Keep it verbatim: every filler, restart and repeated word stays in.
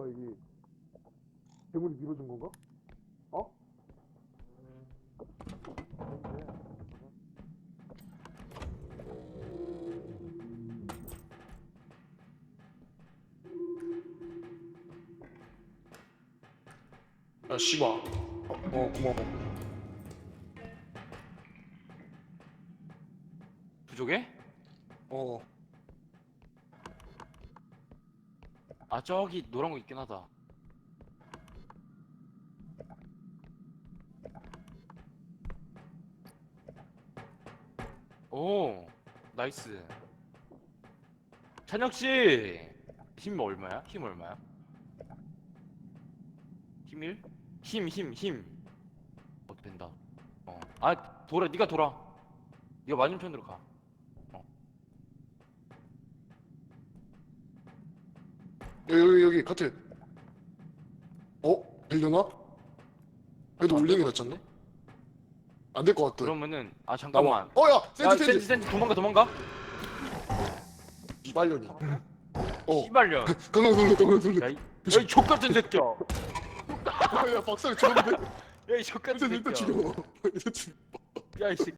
여기 괴물이 밀어준 건가? 어? 야 씨발. 어, 어 고마워. 부족해? 어. 아 저기 노란 거 있긴 하다. 오 나이스. 찬혁씨 힘 얼마야? 힘 얼마야? 힘 일? 힘 힘 힘. 어 된다. 어아 돌아 네가 돌아. 네가 맞은편으로 가. 여기 여기 여기 카트. 어? 되려나? 그래도 안 올리는 될 게 것 낫지 않나? 같은데? 안 될 것 같아. 그러면은 아 잠깐만. 어야 야 센지 센지 센지. 센지 도망가 도망가. 이발년이. 어. 씨발년. 강강 돌려 강강 돌려. 야이 야이 족같은 새끼야. 야 박사를 죽었는데. 야이 족같은 일단 일단 새끼야. 죽여. 일단 죽여. 야이 새끼.